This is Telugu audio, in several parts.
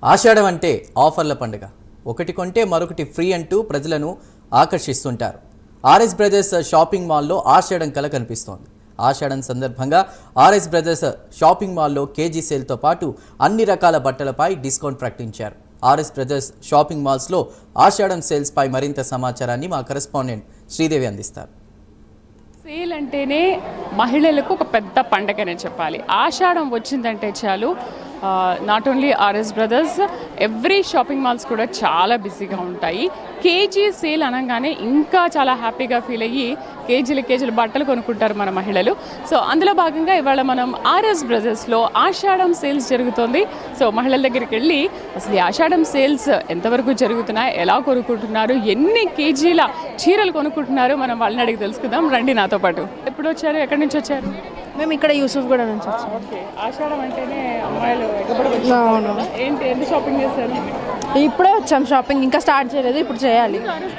ఆషాఢం అంటే ఆఫర్ల పండుగ. ఒకటి కొంటే మరొకటి ఫ్రీ అంటూ ప్రజలను ఆకర్షిస్తుంటారు. ఆర్ఎస్ బ్రదర్స్ షాపింగ్ మాల్లో ఆషాఢం కల కనిపిస్తోంది. ఆషాఢం సందర్భంగా ఆర్ఎస్ బ్రదర్స్ షాపింగ్ మాల్లో కేజీ సేల్తో పాటు అన్ని రకాల బట్టలపై డిస్కౌంట్ ప్రకటించారు. ఆర్ఎస్ బ్రదర్స్ షాపింగ్ మాల్స్లో ఆషాఢం సేల్స్ పై మరింత సమాచారాన్ని మా కరెస్పాండెంట్ శ్రీదేవి అందిస్తారు. సేల్ అంటేనే మహిళలకు ఒక పెద్ద పండగనే చెప్పాలి. ఆషాఢం వచ్చిందంటే చాలు not only RS Brothers, every shopping malls కూడా చాలా బిజీగా ఉంటాయి. కేజీ సేల్ అనగానే ఇంకా చాలా హ్యాపీగా ఫీల్ అయ్యి కేజీలు బట్టలు కొనుక్కుంటారు మన మహిళలు. సో అందులో భాగంగా ఇవాళ మనం ఆర్ఎస్ బ్రదర్స్లో ఆషాఢం సేల్స్ జరుగుతుంది. సో మహిళల దగ్గరికి వెళ్ళి అసలు ఈ ఆషాఢం సేల్స్ ఎంతవరకు జరుగుతున్నాయి, ఎలా కొనుక్కుంటున్నారు, ఎన్ని కేజీల చీరలు కొనుక్కుంటున్నారు, మనం వాళ్ళని అడిగి తెలుసుకుందాం. రండి నాతో పాటు. ఎప్పుడు వచ్చారు, ఎక్కడి నుంచి వచ్చారు? మేము ఇక్కడ యూసుఫ్ కూడా నుంచి వచ్చాం. ఓకే, ఆషాఢం అంటేనే అమ్మాయిలు అవును. ఏంటి, ఎంత షాపింగ్ చేశారు? ఇప్పుడే వచ్చాం షాపింగ్, ఇంకా స్టార్ట్ చేయలేదు, ఇప్పుడు చేయాలి.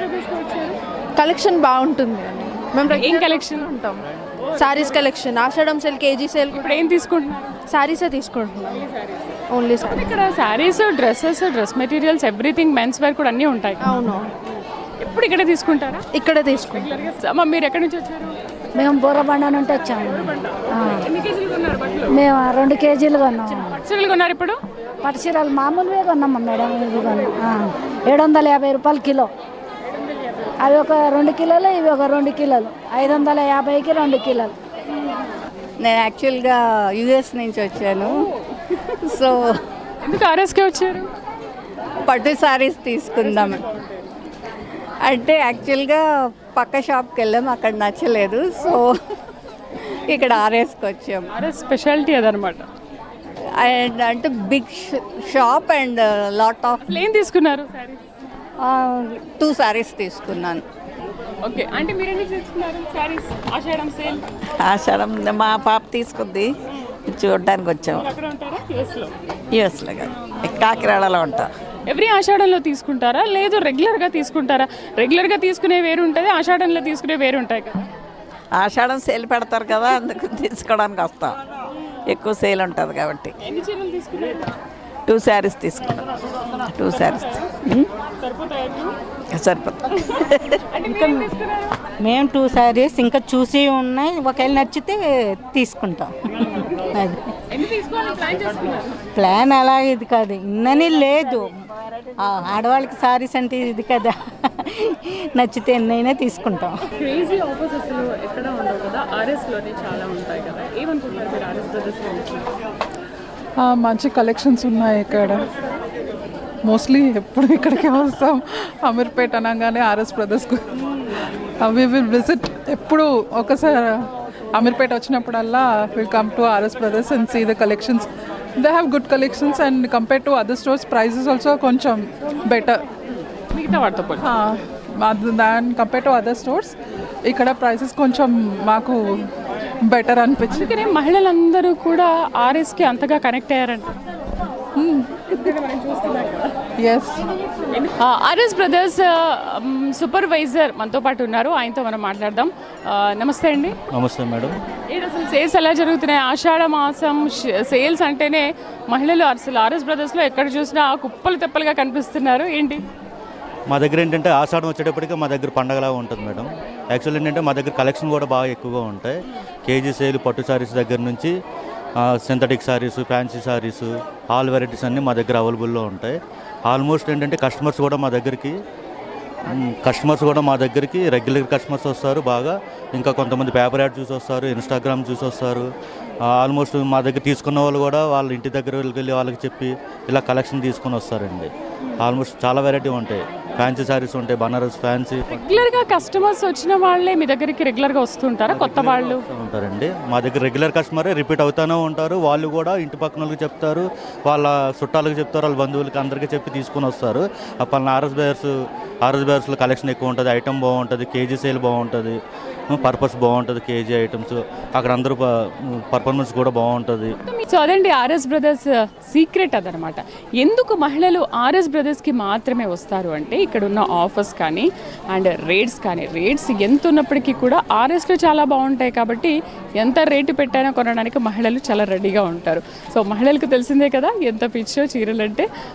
కలెక్షన్ బాగుంటుంది. మేము ఏం కలెక్షన్ ఉంటాం, saris collection, Ashadham sale, KG sale. ఇప్పుడు ఏం తీసుకుంటున్నారు? సారీసే తీసుకుంటున్నాం, ఓన్లీ సారీ. ఇక్కడ saris, dresses, dress materials, everything, men's wear కూడా అన్నీ ఉంటాయి. అవును, ఎప్పుడు ఇక్కడే తీసుకుంటారా? ఇక్కడే తీసుకుంటాం. అమ్మ, మీరు ఎక్కడి నుంచి వచ్చారు? మేము బోరబండ నుండి వచ్చాము. ఎన్ని కేజీలు కొన్నారు బట్టలు? మేము 2 కేజీలు కొన్నాము. పట్టుచీరలు కొన్నారు ఇప్పుడు? పట్టుచీరలు మామూలువే కొన్నాము మేడం. ఇది 750 రూపాయలు కిలో. అవి ఒక 2 కిలోలు, ఇవి ఒక 2 కిలోలు. 550కి 2 కిలోలు. నేను యాక్చువల్గా యుఎస్ నుంచి వచ్చాను. సో ఎందుకు ఆర్ఎస్కే వచ్చారు? పట్టు సారీస్ తీసుకుందాం అంటే యాక్చువల్గా పక్క షాప్కి వెళ్ళాము, అక్కడ నచ్చలేదు. సో ఇక్కడ ఆర్ఎస్కి వచ్చాము. ఆర్ఎస్ స్పెషాలిటీ అదనమాట. అండ్ అంటే big shop and lot of. ఏం తీసుకున్నారు? 2 సారీస్ తీసుకున్నాను. ఓకే, అంటే మీరు ఎన్ని తీసుకున్నారు సారీస్ ఆషాఢం సేల్? ఆషాఢం మా పాప తీసుకుంది, చూడడానికి వచ్చాము. అక్కడ ఉంటారా? యూఎస్లో? యూఎస్లో కాదు, కాకినాడలో ఉంటా. ఎవ్రీ ఆషాఢంలో తీసుకుంటారా, లేదు రెగ్యులర్గా తీసుకుంటారా? రెగ్యులర్గా తీసుకునే వేరు ఉంటుంది, ఆషాఢంలో తీసుకునే వేరు ఉంటాయి కదా. ఆషాఢం సేల్ పెడతారు కదా, అందుకు తీసుకోవడానికి వస్తాం. ఎక్కువ సేల్ ఉంటుంది కాబట్టి. ఎన్ని చీరలు తీసుకున్నారు? 2 శారీస్ తీసుకున్నాం. 2 శారీస్ సరిపోతుంది. మేము 2 శారీస్ ఇంకా చూసి ఉన్నాయి, ఒకవేళ నచ్చితే తీసుకుంటాం. అది ప్లాన్ అలా ఇది కాదు, ఇన్నని లేదు. ఆడవాళ్ళకి సారీస్ అంటే ఇది కదా, నచ్చితే ఎన్నైనా తీసుకుంటాం. క్రేజీ ఆఫర్స్ అసలు ఎక్కడ ఉండవు కదా, ఆర్ఎస్లోనే చాలా ఉంటాయి కదా. ఏమనుకుంటున్నారు మీరు ఆర్ఎస్ బ్రదర్స్లో? మంచి కలెక్షన్స్ ఉన్నాయి ఇక్కడ. మోస్ట్లీ ఎప్పుడు ఇక్కడికే వస్తాం. అమీర్పేట్ అనగానే ఆర్ఎస్ బ్రదర్స్కు వి విల్ విజిట్. ఎప్పుడు ఒకసారి అమీర్పేట్ వచ్చినప్పుడల్లా will come to RS Brothers and see the collections. They have good collections and compare to other stores prices also కొంచెం బెటర్. మిగతా వాటితో than compare to other stores ఇక్కడ ప్రైసెస్ కొంచెం మాకు బెటర్ అనిపించింది. అందుకనే మహిళలందరూ కూడా ఆర్ఎస్కి అంతగా కనెక్ట్ అయ్యారంట. ఎస్, ఆర్ఎస్ బ్రదర్స్ సూపర్వైజర్ మనతో పాటు ఉన్నారు, ఆయనతో మనం మాట్లాడదాం. నమస్తే అండి. నమస్తే మేడం. అసలు సేల్స్ ఎలా జరుగుతున్నాయి? ఆషాఢ మాసం సేల్స్ అంటేనే మహిళలు అసలు ఆర్ఎస్ బ్రదర్స్లో ఎక్కడ చూసినా కుప్పలు తెప్పలుగా కనిపిస్తున్నారు. ఏంటి మా దగ్గర ఏంటంటే ఆషాఢం వచ్చేటప్పటికి మా దగ్గర పండగలా ఉంటుంది మేడం. యాక్చువల్ ఏంటంటే మా దగ్గర కలెక్షన్ కూడా బాగా ఎక్కువగా ఉంటాయి. కేజీ సేల్, పట్టు శారీస్ దగ్గర నుంచి synthetic saris, fancy saris, all varieties అన్నీ మా దగ్గర అవైలబుల్లో ఉంటాయి. ఆల్మోస్ట్ ఏంటంటే కస్టమర్స్ కూడా మా దగ్గరికి రెగ్యులర్ కస్టమర్స్ వస్తారు బాగా. ఇంకా కొంతమంది పేపర్ యాడ్ చూసి వస్తారు, ఇన్స్టాగ్రామ్ చూసి వస్తారు. ఆల్మోస్ట్ మా దగ్గర తీసుకున్న వాళ్ళు కూడా వాళ్ళ ఇంటి దగ్గర వెళ్ళి వాళ్ళకి చెప్పి ఇలా కలెక్షన్ తీసుకొని వస్తారండి. ఆల్మోస్ట్ చాలా వెరైటీ ఉంటాయి. ఫ్యాన్సీ శారీస్ ఉంటాయి, బనారస్ ఫ్యాన్సీ. రెగ్యులర్గా కస్టమర్స్ వచ్చిన వాళ్ళే మీ దగ్గరికి రెగ్యులర్గా వస్తుంటారా? కొత్త వాళ్ళు ఉంటారండి మా దగ్గర. రెగ్యులర్ కస్టమరే రిపీట్ అవుతూనే ఉంటారు. వాళ్ళు కూడా ఇంటి పక్కన వాళ్ళకి చెప్తారు, వాళ్ళ చుట్టాలకు చెప్తారు, వాళ్ళ బంధువులకి అందరికీ చెప్పి తీసుకొని వస్తారు. అప్పుడు ఆర్ఎస్ బేర్స్లో కలెక్షన్ ఎక్కువ ఉంటుంది, ఐటమ్ బాగుంటుంది, కేజీ సేల్ బాగుంటుంది, పర్పస్ బాగుంటుంది, కేజీ ఐటమ్స్ అక్కడ అందరూ పర్ఫార్మెన్స్ కూడా బాగుంటుంది. సో అదండి ఆర్ఎస్ బ్రదర్స్ సీక్రెట్ అదనమాట. ఎందుకు మహిళలు ఆర్ఎస్ బ్రదర్స్కి మాత్రమే వస్తారు అంటే ఇక్కడ ఉన్న ఆఫర్స్ కానీ అండ్ రేట్స్ ఎంత ఉన్నప్పటికీ కూడా ఆర్ఎస్లో చాలా బాగుంటాయి కాబట్టి ఎంత రేటు పెట్టైనా కొనడానికి మహిళలు చాలా రెడీగా ఉంటారు. సో మహిళలకు తెలిసిందే కదా ఎంత పిచ్చో చీరలంటే.